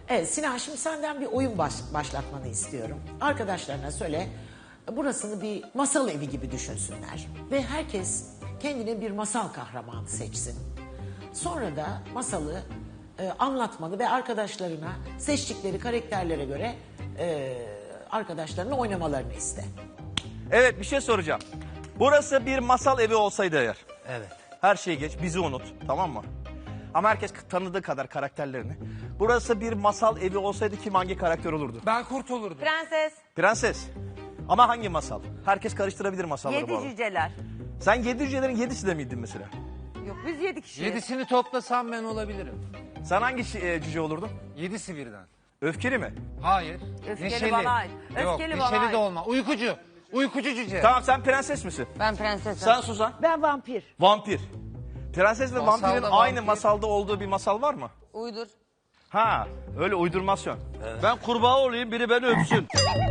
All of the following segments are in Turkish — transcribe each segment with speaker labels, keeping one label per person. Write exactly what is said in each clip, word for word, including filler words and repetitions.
Speaker 1: Evet Sinan, şimdi senden bir oyun baş, başlatmanı istiyorum. Arkadaşlarına söyle, burasını bir masal evi gibi düşünsünler. Ve herkes kendine bir masal kahramanı seçsin. Sonra da masalı e, anlatmanı ve arkadaşlarına seçtikleri karakterlere göre e, arkadaşlarına oynamalarını iste.
Speaker 2: Evet, bir şey soracağım. Burası bir masal evi olsaydı eğer.
Speaker 3: Evet.
Speaker 2: Her şeyi geç, bizi unut, tamam mı? Ama herkes tanıdığı kadar karakterlerini. Burası bir masal evi olsaydı kim hangi karakter olurdu?
Speaker 3: Ben kurt olurdum.
Speaker 4: Prenses.
Speaker 2: Prenses. Ama hangi masal? Herkes karıştırabilir masalları bu
Speaker 4: Yedi
Speaker 2: arada.
Speaker 4: cüceler.
Speaker 2: Sen yedi cücelerin yedisi de miydin mesela?
Speaker 4: Yok biz yedi kişi.
Speaker 3: Yedisini toplasam ben olabilirim.
Speaker 2: Sen hangi şi- e, cüce olurdun?
Speaker 3: Yedisi birden.
Speaker 2: Öfkeli mi?
Speaker 3: Hayır.
Speaker 4: Öfkeli
Speaker 3: Neşeli.
Speaker 4: bana ait.
Speaker 3: Yok,
Speaker 4: Öfkeli bana
Speaker 3: neşeli
Speaker 4: ait.
Speaker 3: de olma. Uykucu. Uykucu cüce.
Speaker 2: Tamam, sen prenses misin?
Speaker 4: Ben prensesim.
Speaker 2: Sen Suzan?
Speaker 5: Ben vampir.
Speaker 2: Vampir. Prenses ve
Speaker 3: Masalda
Speaker 2: vampirin
Speaker 3: vampir.
Speaker 2: aynı masalda olduğu bir masal var mı?
Speaker 4: Uydur.
Speaker 2: Ha, öyle uydurmasyon.
Speaker 6: Ben kurbağa olayım, biri beni öpsün.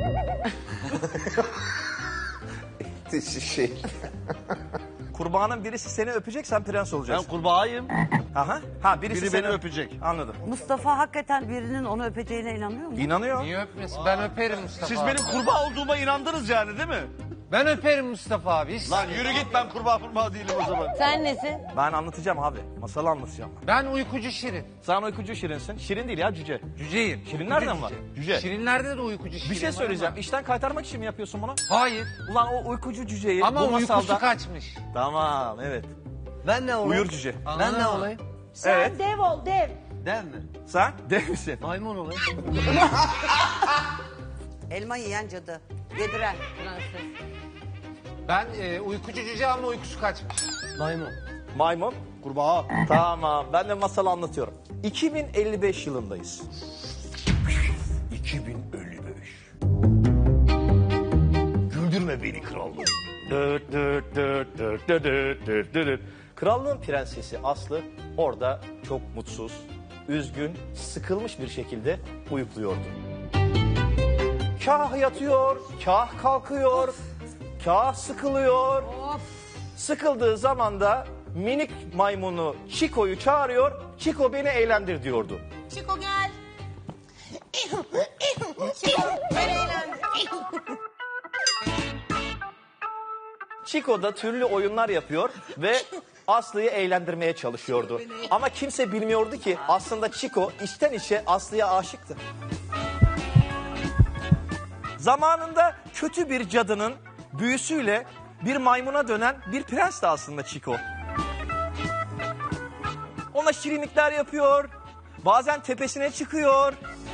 Speaker 7: şey.
Speaker 2: Kurbağanın birisi seni öpecek, sen prens
Speaker 6: Ben
Speaker 2: olacaksın.
Speaker 6: kurbağayım,
Speaker 2: Aha. Ha, birisi
Speaker 6: biri
Speaker 2: seni
Speaker 6: beni öpecek.
Speaker 2: Anladım.
Speaker 5: Mustafa hakikaten birinin onu öpeceğine inanıyor mu?
Speaker 2: İnanıyor.
Speaker 3: Niye öpmesin? Ben öperim Mustafa
Speaker 6: Siz
Speaker 3: abi.
Speaker 6: benim kurbağa olduğuma inandınız yani değil mi?
Speaker 3: Ben öperim Mustafa abi. Hiç
Speaker 6: Lan yürü git, ben kurbağa kurbağa değilim o zaman.
Speaker 4: Sen nesin?
Speaker 2: Ben anlatacağım abi. Masalı anlatacağım.
Speaker 3: Ben uykucu şirin.
Speaker 2: Sen uykucu şirinsin. Şirin değil ya, cüce.
Speaker 3: Cüceyim.
Speaker 2: Şirin
Speaker 3: Uykucu
Speaker 2: nereden var? Cüce.
Speaker 3: Şirinlerde de uykucu şirin
Speaker 2: Bir şey
Speaker 3: var
Speaker 2: söyleyeceğim.
Speaker 3: ama-
Speaker 2: İşten kaytarmak için mi yapıyorsun bunu?
Speaker 3: Hayır.
Speaker 2: Ulan o uykucu cüceyi
Speaker 3: Ama
Speaker 2: bu
Speaker 3: uykusu
Speaker 2: masalda...
Speaker 3: kaçmış.
Speaker 2: Tamam, evet.
Speaker 8: Ben ne olayım?
Speaker 2: Uyur cüce.
Speaker 8: Ben ne olayım?
Speaker 5: Sen
Speaker 2: Evet.
Speaker 5: dev ol dev.
Speaker 8: Dev mi?
Speaker 2: Sen dev misin?
Speaker 8: Maymun olayım.
Speaker 5: Elma yiyen cadı. Yediren.
Speaker 4: Prenses.
Speaker 3: Ben e, uykucu cüce ama uykusu kaçmış.
Speaker 8: Maymun.
Speaker 2: Maymun. Kurbağa. Tamam, ben de masalı anlatıyorum. iki bin elli beş yılındayız. iki bin elli beş. Güldürme beni krallığım. Dıt dıt dıt dıt dıt dıt dıt dıt. Krallığın prensesi Aslı orada çok mutsuz, üzgün, sıkılmış bir şekilde uyukluyordu. Kah yatıyor, kah kalkıyor, kah sıkılıyor. Sıkıldığı zaman da minik maymunu Chico'yu çağırıyor. Chico beni eğlendir diyordu.
Speaker 4: Chico gel. Chico ben eğlendim.
Speaker 2: Chico da türlü oyunlar yapıyor ve Aslı'yı eğlendirmeye çalışıyordu. Ama kimse bilmiyordu ki aslında Chico içten içe Aslı'ya aşıktı. Zamanında kötü bir cadının büyüsüyle bir maymuna dönen bir prensti aslında Chico. Ona şirinlikler yapıyor, bazen tepesine çıkıyor.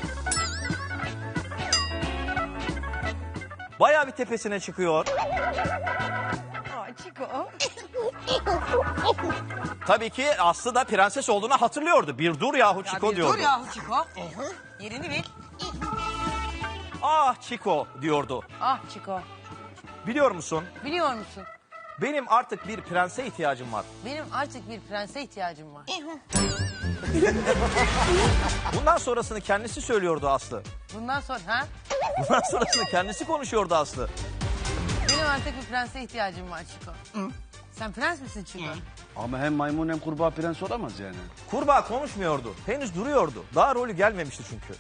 Speaker 2: Bayağı bir tepesine çıkıyor.
Speaker 4: Aa, Chico.
Speaker 2: Tabii ki Aslı da prenses olduğunu hatırlıyordu. Bir dur yahu Chico
Speaker 4: bir
Speaker 2: diyordu.
Speaker 4: dur yahu Chico. Yerini bil.
Speaker 2: Ah Chico diyordu.
Speaker 4: Ah Chico.
Speaker 2: Biliyor musun?
Speaker 4: Biliyor musun?
Speaker 2: Benim artık bir prense ihtiyacım var.
Speaker 4: Benim artık bir prense ihtiyacım var.
Speaker 2: Bundan sonrasını kendisi söylüyordu Aslı.
Speaker 4: Bundan sonra ha?
Speaker 2: Bundan sonrasını kendisi konuşuyordu Aslı.
Speaker 4: Benim artık bir prense ihtiyacım var Chico. Sen prens misin Chico?
Speaker 6: Ama hem maymun hem kurbağa prens olamaz yani.
Speaker 2: Kurbağa konuşmuyordu. Henüz duruyordu. Daha rolü gelmemişti çünkü.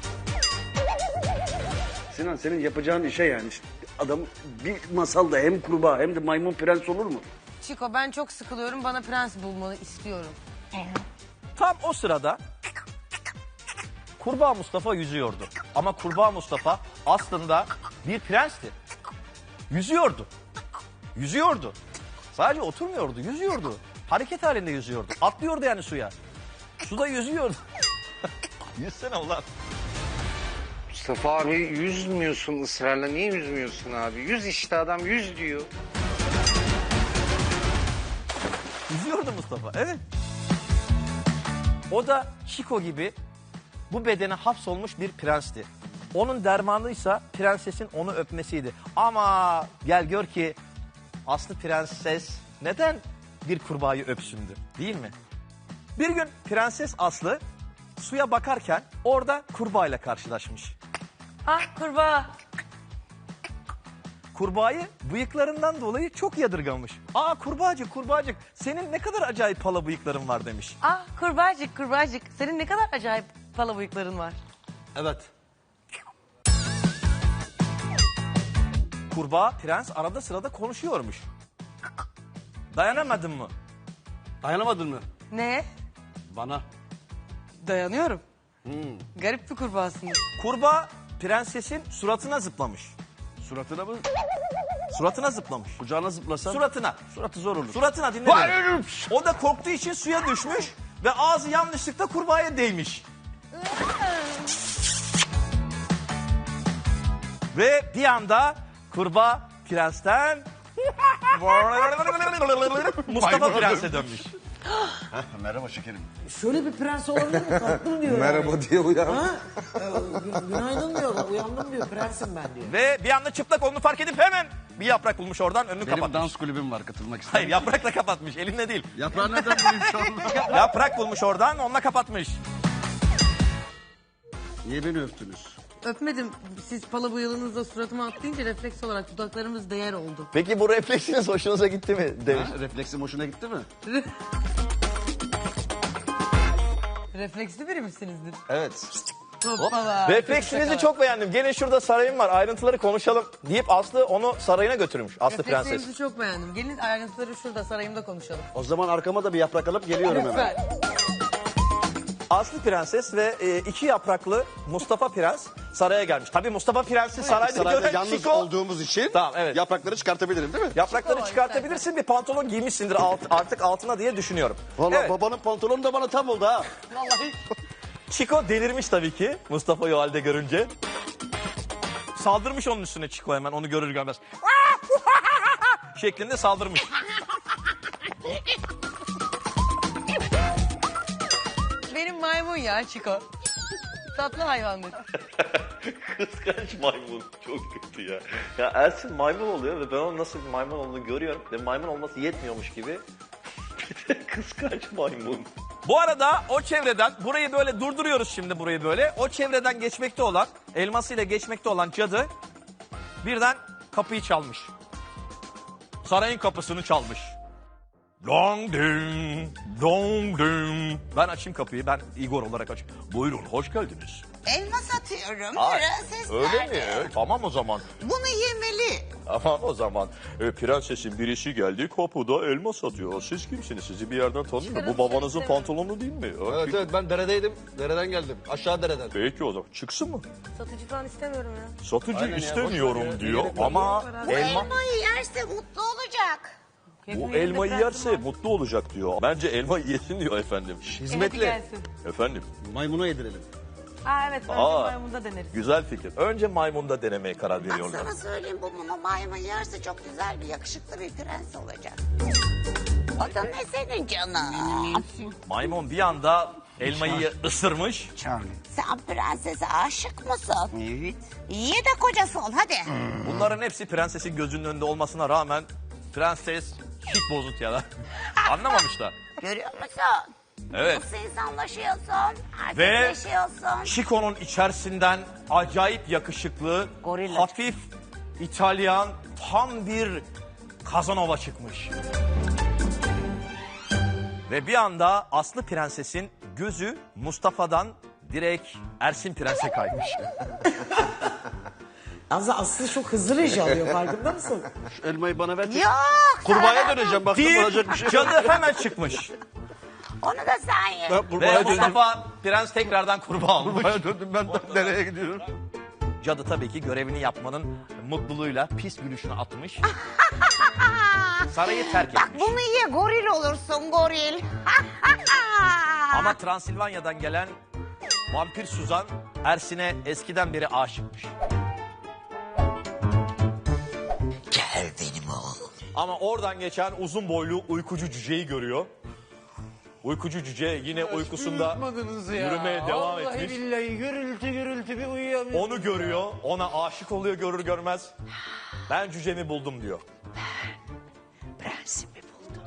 Speaker 6: Sinan, senin yapacağın işe yani. Adam bir masalda hem kurbağa hem de maymun prens olur mu?
Speaker 4: Chico ben çok sıkılıyorum. Bana prens bulmanı istiyorum.
Speaker 2: Tam o sırada Kurbağa Mustafa yüzüyordu. Ama Kurbağa Mustafa aslında bir prensti. Yüzüyordu. Yüzüyordu. Sadece oturmuyordu, yüzüyordu. Hareket halinde yüzüyordu. Atlıyordu yani suya. Suda yüzüyordu. Yüzsene ulan.
Speaker 9: Mustafa abi yüzmüyorsun ısrarla. Niye yüzmüyorsun abi? Yüz işte, adam yüz diyor.
Speaker 2: Yüzüyordu Mustafa, evet. O da Chico gibi bu bedene hapsolmuş bir prensti. Onun dermanıysa prensesin onu öpmesiydi. Ama gel gör ki Aslı prenses neden bir kurbağayı öpsündü, değil mi? Bir gün Prenses Aslı suya bakarken orada kurbağayla karşılaşmış.
Speaker 4: Ah kurbağa.
Speaker 2: Kurbağayı bıyıklarından dolayı çok yadırgamış. Aa kurbağacık kurbağacık senin ne kadar acayip pala bıyıkların var demiş.
Speaker 4: Ah kurbağacık kurbağacık. Senin ne kadar acayip pala bıyıkların var.
Speaker 8: Evet.
Speaker 2: Kurbağa prens arada sırada konuşuyormuş. Dayanamadın mı?
Speaker 8: Dayanamadın mı?
Speaker 4: Ne?
Speaker 8: Bana.
Speaker 4: Dayanıyorum. Garip bir kurbağasınız.
Speaker 2: Kurbağa prensesin suratına zıplamış.
Speaker 8: Suratına mı?
Speaker 2: Suratına zıplamış.
Speaker 8: Kucağına zıplasan.
Speaker 2: Suratına.
Speaker 8: Suratı zor olur.
Speaker 2: Suratına dinle beni. O da korktuğu için suya düşmüş ve ağzı yanlışlıkla kurbağaya değmiş. Ve bir anda kurbağa prensten Mustafa Prens'e dönmüş.
Speaker 6: Merhaba şekerim.
Speaker 1: Şöyle bir prens olabilir mi? Tatlım diyor.
Speaker 6: Merhaba
Speaker 1: yani.
Speaker 6: diye uyan.
Speaker 1: Ha? Ee, gün- günaydın diyor. Uyandım diyor. Prensim ben diyor.
Speaker 2: Ve bir anda çıplak olduğunu fark edip hemen bir yaprak bulmuş oradan önünü
Speaker 6: Benim
Speaker 2: kapatmış.
Speaker 6: dans kulübüm var, katılmak istedim.
Speaker 2: Hayır yaprakla kapatmış elinle değil.
Speaker 6: Yaprağı nereden bulayım şu anda?
Speaker 2: Yaprak bulmuş oradan onunla kapatmış.
Speaker 6: Niye beni öptünüz?
Speaker 4: Öpmedim. Siz pala bıyığınızla suratıma atlayınca refleks olarak dudaklarımız değer oldu.
Speaker 2: Peki bu refleksiniz hoşunuza gitti mi demiş.
Speaker 6: Ha, refleksim hoşuna gitti mi?
Speaker 4: Refleksli biri misinizdir?
Speaker 2: Evet.
Speaker 4: Hoppala.
Speaker 2: Refleksinizi çok beğendim. Gelin şurada sarayım var ayrıntıları konuşalım deyip Aslı onu sarayına götürmüş. Aslı prenses.
Speaker 4: Reflekslerinizi çok beğendim. Gelin ayrıntıları şurada sarayımda konuşalım.
Speaker 6: O zaman arkama da bir yaprak alıp geliyorum hemen.
Speaker 4: Lütfen.
Speaker 2: Aslı prenses ve e, iki yapraklı Mustafa prens saraya gelmiş. Tabii Mustafa prensi sarayda,
Speaker 6: Sarayda
Speaker 2: gören
Speaker 6: yalnız
Speaker 2: Şiko.
Speaker 6: olduğumuz için
Speaker 2: Tamam, evet.
Speaker 6: yaprakları çıkartabilirim değil mi?
Speaker 2: Yaprakları
Speaker 4: Şiko,
Speaker 2: çıkartabilirsin bir pantolon giymişsindir alt, artık altına diye düşünüyorum.
Speaker 6: Vallahi
Speaker 2: Evet.
Speaker 6: babanın pantolonu da bana tam oldu ha.
Speaker 4: Vallahi.
Speaker 2: Chico delirmiş tabii ki Mustafa'yı o halde görünce. Saldırmış onun üstüne Chico hemen onu görür görmez. şeklinde saldırmış.
Speaker 4: Benim maymun ya Chico. Tatlı hayvandır.
Speaker 7: Kıskanç maymun. Çok kötü ya. Ya Ersin maymun oluyor ve ben onun nasıl bir maymun olduğunu görüyorum. Ve maymun olması yetmiyormuş gibi. Bir de kıskanç maymun.
Speaker 2: Bu arada o çevreden burayı böyle durduruyoruz şimdi burayı böyle. O çevreden geçmekte olan elmasıyla geçmekte olan cadı birden kapıyı çalmış. Sarayın kapısını çalmış. Dong ding, dong ding. Ben açayım kapıyı ben Igor olarak açayım. Buyurun hoş geldiniz.
Speaker 10: Elma satıyorum.
Speaker 2: Ay,
Speaker 10: Prenses
Speaker 2: öyle
Speaker 10: nerede?
Speaker 2: mi? Tamam o zaman.
Speaker 10: Bunu yemeli.
Speaker 7: Tamam o zaman. E, prensesin birisi geldi kapıda elma satıyor. Siz kimsiniz? Sizi bir yerden tanıyorum. Bu babanızın pantolonu değil mi?
Speaker 8: Evet evet ben deredeydim. Dereden geldim. Aşağı dereden.
Speaker 7: Peki o zaman çıksın mı?
Speaker 4: Satıcı falan istemiyorum ya.
Speaker 7: Satıcı
Speaker 8: Aynen ya,
Speaker 7: istemiyorum
Speaker 8: boş ver ya.
Speaker 7: diyor
Speaker 8: Gerek yok.
Speaker 7: ama
Speaker 10: Bu
Speaker 7: elma...
Speaker 10: elmayı yerse mutlu olacak.
Speaker 7: Bu elmayı yerse mutlu olacak diyor. Bence elma yesin diyor efendim.
Speaker 8: Hizmetli.
Speaker 4: Gelsin.
Speaker 7: Efendim
Speaker 6: Maymuna yedirelim.
Speaker 4: Aa evet bence
Speaker 7: Aa.
Speaker 4: maymunda deneriz.
Speaker 7: güzel fikir. Önce maymunda denemeye karar
Speaker 10: Bak
Speaker 7: veriyorlar.
Speaker 10: sana söyleyeyim bu bunu maymun yerse çok güzel bir yakışıklı bir prens olacak. O da ne senin canım?
Speaker 2: Maymun bir anda elmayı ısırmış.
Speaker 10: Sen prensese aşık mısın? Evet. İyi de kocası ol hadi.
Speaker 2: Bunların hepsi prensesin gözünün önünde olmasına rağmen prenses hiç bozuk ya da anlamamışlar.
Speaker 10: Görüyor musun?
Speaker 2: Evet.
Speaker 10: Nasıl insanlaşıyorsun,
Speaker 2: Ve
Speaker 10: erkekleşiyorsun.
Speaker 2: Chico'nun içerisinden acayip yakışıklı,
Speaker 5: Gorilla.
Speaker 2: hafif İtalyan tam bir Kazanova çıkmış. Ve bir anda Aslı prensesin gözü Mustafa'dan direkt Ersin prense kaymış.
Speaker 1: Yalnız Aslı çok hızlı reji alıyor farkında mısın?
Speaker 6: Şu elmayı bana ver.
Speaker 10: Yok.
Speaker 6: Kurbağaya döneceğim baktım
Speaker 2: Bir
Speaker 6: olacak bir şey yok.
Speaker 2: cadı hemen çıkmış.
Speaker 10: Onu da sen ye.
Speaker 6: Ben
Speaker 2: Ve
Speaker 6: kurbağaya döndüm.
Speaker 2: Mustafa prens tekrardan kurbağa olmuş.
Speaker 6: Kurbağaya döndüm ben nereye gidiyorum?
Speaker 2: Cadı tabii ki görevini yapmanın mutluluğuyla pis gülüşünü atmış. Sarayı terk
Speaker 10: Bak
Speaker 2: etmiş.
Speaker 10: bunu ye goril olursun goril.
Speaker 2: Ama Transilvanya'dan gelen vampir Suzan Ersin'e eskiden beri aşıkmış.
Speaker 10: Gel benim oğlum.
Speaker 2: Ama oradan geçen uzun boylu uykucu cüceyi görüyor. Uykucu cüce yine uykusunda
Speaker 3: Uyutmadınız ya.
Speaker 2: yürümeye devam
Speaker 3: Vallahi
Speaker 2: etmiş.
Speaker 3: billahi gürültü gürültü bir uyuyamıyorum.
Speaker 2: Onu görüyor, ona aşık oluyor görür görmez. Ben cücemi buldum diyor.
Speaker 10: Prensimi buldum.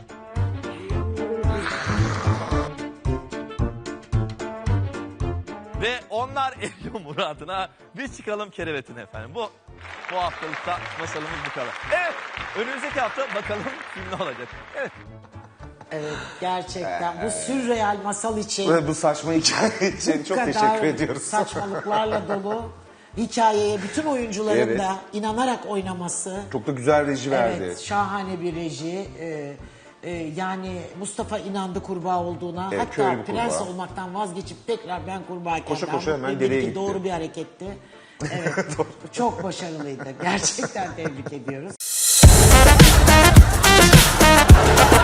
Speaker 2: Ve onlar eriyor muradına. Biz çıkalım kerevetine efendim. Bu bu haftalıkta masalımız bu kadar. Evet, önümüzdeki hafta bakalım kim ne olacak. Evet.
Speaker 1: Evet, gerçekten bu sürreal masal için
Speaker 11: Ve bu saçma hikaye için
Speaker 1: bu
Speaker 11: çok
Speaker 1: kadar
Speaker 11: teşekkür ediyoruz.
Speaker 1: saçmalıklarla dolu hikayeye bütün oyuncuların
Speaker 11: Evet.
Speaker 1: da inanarak oynaması.
Speaker 11: Çok da güzel reji verdi.
Speaker 1: Evet, şahane bir reji. Ee, e, yani Mustafa inandı kurbağa olduğuna.
Speaker 11: Evet, köylü
Speaker 1: Hatta
Speaker 11: bir
Speaker 1: prens
Speaker 11: kurbağa.
Speaker 1: olmaktan vazgeçip tekrar ben kurbağayken
Speaker 11: Koşa koşa
Speaker 1: davranıp
Speaker 11: hemen
Speaker 1: ve
Speaker 11: dereye
Speaker 1: ki
Speaker 11: gitti.
Speaker 1: doğru bir hareketti. Evet, çok başarılıydı. Gerçekten tebrik ediyoruz.